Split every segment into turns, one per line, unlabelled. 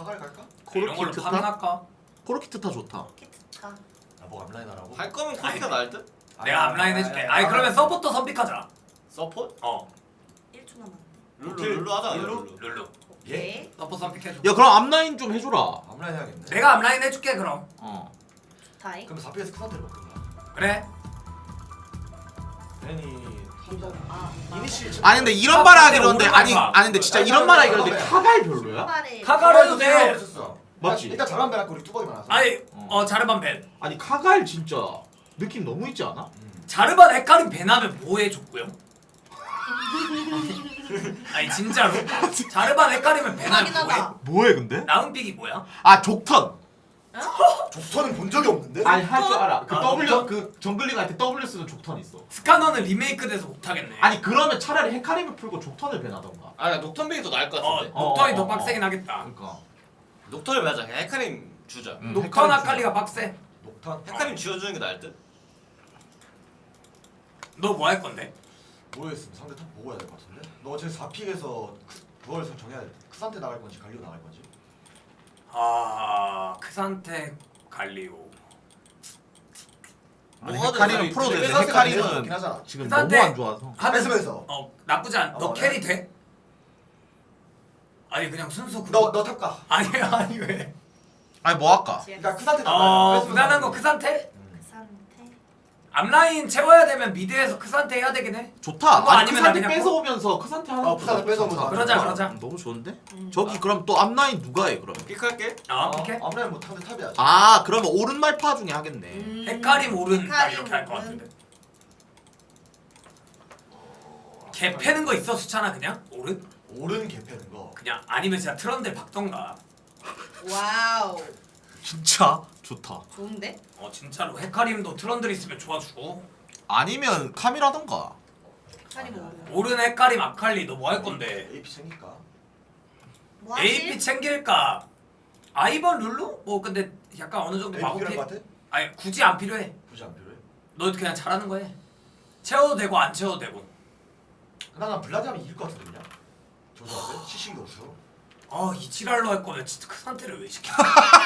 카갈 갈까?
이런 걸로
코르키트타?
파밍할까?
코르키트타 좋다.
키트카.
나뭐 앞라인 하라고?
할 거면 코스가 나을 듯?
내가 앞라인 해줄게. 아니 그러면 서포터 선픽하자.
서폿?
어
1초 남았네.
룰루 하자.
룰루?
룰루.
오케이.
서포터 선픽해줘.
야 그럼 앞라인 좀 해줘라.
앞라인 해야겠네.
내가 앞라인 해줄게 그럼.
어.
타이.
그럼 4PS 큰 상태로 바꾼다.
그래.
괜히
아.
이니시
아니 근데 이런
아,
말
근데
하기로 했는데 아니
오른발
아니 근데 진짜 이런 말 하기로 했는데 카갈 별로야?
카발에.
카갈 해도 돼.
맞지?
일단 잘한 배랑 우리 뚜벅이 많아서.
아니 자르반 벤.
아니 카갈 진짜 느낌 너무 있지 않아?
자르반 헷갈림 벤하면 뭐 해줬고요? 아니 진짜로. 자르반 헷갈리면 벤하면
하긴
뭐해?
하다.
뭐해 근데?
라운픽이 뭐야?
아 족턴.
족터는 본 적이 없는데?
아니 할 줄 알아. 그
아,
W
족턴?
그 정글링 할 때 W 쓰는 족턴 있어.
스카너는 리메이크 돼서 못하겠네.
아니 그러면 차라리 헤카림을 풀고 족턴을 배나던가.
아 녹턴백이 더 나을 것 같은데?
녹턴이 더
어,
빡세긴 하겠다.
그러니까.
녹턴을 하자. 그냥 헤카림 주자.
녹턴
헤카림
아칼리가 빡세.
녹탄?
헤카림 지어주는 게 나을 듯?
너 뭐 할 건데?
뭐였으면 상대 탑 보고 해야 될 것 같은데? 너 어차피 4픽에서 그걸 정해야 돼. 크산테 나갈 건지 갈리오 나갈 건지.
크산테 갈리오.
아니
뭐하든
헤카림은
저희
풀어도 되는데
뺏어서 갈리오 좋긴
헤카림은
하잖아.
지금
크산테-
너무 안 좋아서.
뺏으면서.
나쁘지 않. 너
어,
캐리 돼? 아니 그냥 순수
너 탑 가.
아니 왜?
아니 뭐 할까?
그러니까 크산테 나가.
무난한 거 크산테?
크산테.
앞라인 채워야 되면 미드에서 크산테 해야 되긴 해.
좋다.
그거
아니
아니면
크산테
그냥
뺏어오면서 크산테 하는 것도
크산테 뺏어오면서
좋다.
그러자.
너무 좋은데?
음.
저기 그럼 또 앞라인 누가 해 그럼?
픽할게.
오케이.
앞라인 뭐 상대 탑이야.
아 그러면 오른말파 중에 하겠네.
헷갈림 오른 딱
헷갈림
이렇게 할 것
오른.
같은데. 개 패는 거 있어 수찬아 그냥 오른?
오른 개 패는 거.
그냥 아니면 진짜 트런들 박던가.
와우.
진짜 좋다.
좋은데?
진짜로 헷갈림도 트런들 있으면 좋아주고.
아니면 카미라던가.
카리 뭐.
오른 헷갈림 아칼리 너 뭐 할 건데?
AP 생길까?
뭐
AP
하실?
챙길까? 아이번 룰루? 뭐 근데 약간 어느 정도
AP
마법이.
필요할 것 같아?
아니 굳이 안 필요해.
굳이 안 필요해?
너 그냥 잘하는 거 해. 채워도 되고 안 채워도 되고.
난 블라디 하면 이길 것 같은데 그냥. 조사한테 시식이 없어.
이 지랄로 할 거면 진짜 그 상태를 왜 시켜?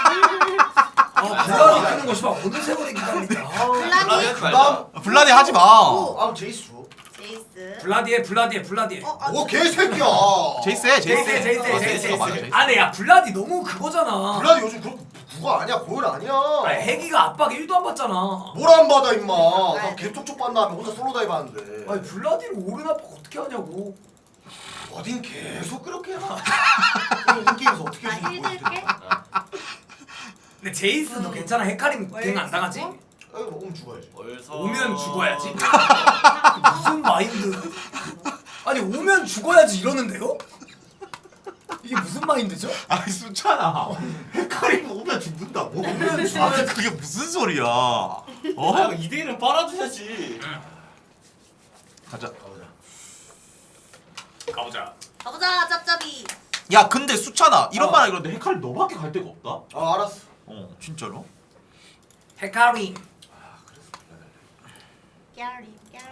블라디 끄는 거 씨발 어느 세월에 기다리냐.
블라디
블라디.
하지 말자.
블라디 하지 마.
아 제이스 줘.
제이스.
블라디에.
오 개새끼야.
제이스 해
제이스.
맞아 제이스.
아니 야 블라디 너무 그거잖아.
블라디 요즘 그거 아니야 고열 아니야.
아니 해기가 압박 1도 안 받잖아.
뭘 안 받아 임마. 나 개톡촉 받나 하면 혼자 솔로 다이브 하는데.
아니 블라디를 오른 압박 어떻게 하냐고.
어딘 계속 그렇게 해. 인게임에서 어떻게
아
해주는지 모르겠어.
힐들게.
근데 제이스 너 괜찮아? 헤카림 갱 안 당하지?
어?
오면 죽어야지.
벌써
오면 죽어야지. 무슨 마인드? 아니 오면 죽어야지 이러는데요? 이게 무슨 마인드죠?
아니 수찬아. 헤카림 오면 죽는다고?
오면
아
죽어야지.
그게 무슨 소리야?
어?
어?
2대1은 빨아줘야지.
가자.
가보자.
가보자.
가보자 짭짭이.
야 근데 수찬아 이런 말 하기로 했는데 헤카림 너밖에 갈 데가 없다?
아 알았어.
진짜로?
헤카림.
아 그래서
깨리.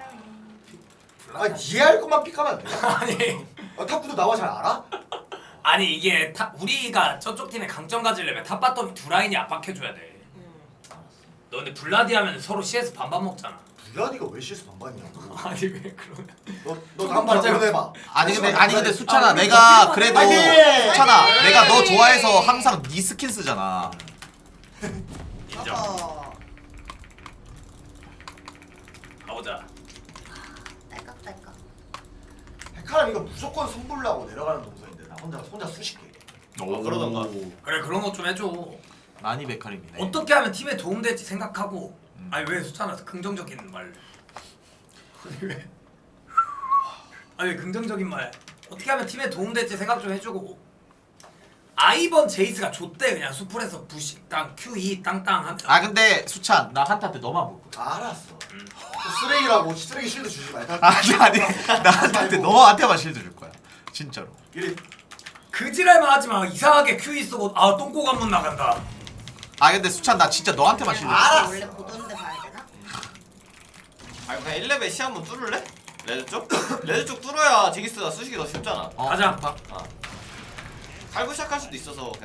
아 이해할 것만 픽하면 안 돼?
아니
탑구도 나와 잘 알아?
아니 이게 우리가 저쪽 팀의 강점 가지려면 탑바텀 두 라인이 압박해줘야 돼. 너 근데 블라디 하면 서로 CS 반반 먹잖아.
블라디가 왜 CS 반반이냐고.
아니 왜 그러면?
너 다음번 보내봐.
아니 근데 수찬아
아, 우리
내가
뭐
그래도
파이팅!
수찬아
파이팅!
내가 너 좋아해서 항상 네 스킨 쓰잖아.
인정. 가보자.
딸깍딸깍.
헤카람 이거 무조건 선불라고 내려가는 동선인데 나 혼자 수십 개.
그러던가.
그래 그런 거 좀 해줘.
많이 헤카림이네.
어떻게 하면 팀에 도움될지 생각하고. 아니 왜 수찬아 긍정적인 말. 아니 왜? 아니 긍정적인 말. 어떻게 하면 팀에 도움될지 생각 좀 해주고. 아이번 제이스가 줬대 그냥 수풀에서 부시 땅 Q2 땅땅 하면.
아 근데 수찬 나 한타 때 너만 볼 거야.
알았어. 쓰레기라고 쓰레기 실드 주지 말자.
아니 나 한타 때 너한테만 실드 줄 거야. 진짜로.
이래.
그 지랄만 하지 마. 이상하게 Q2 쓰고 똥꼬 관문 나간다.
아 근데 수찬 나 진짜 너한테만 실드 줄 거야.
알았어.
원래 보던데 봐야 되나?
아 그냥 1레벨 시 한번 뚫을래? 레드 쪽? 레드 쪽 뚫어야 제기스가 쓰시기 더 쉽잖아.
가자.
좋다.
살고 시작할 수도 있어서 그냥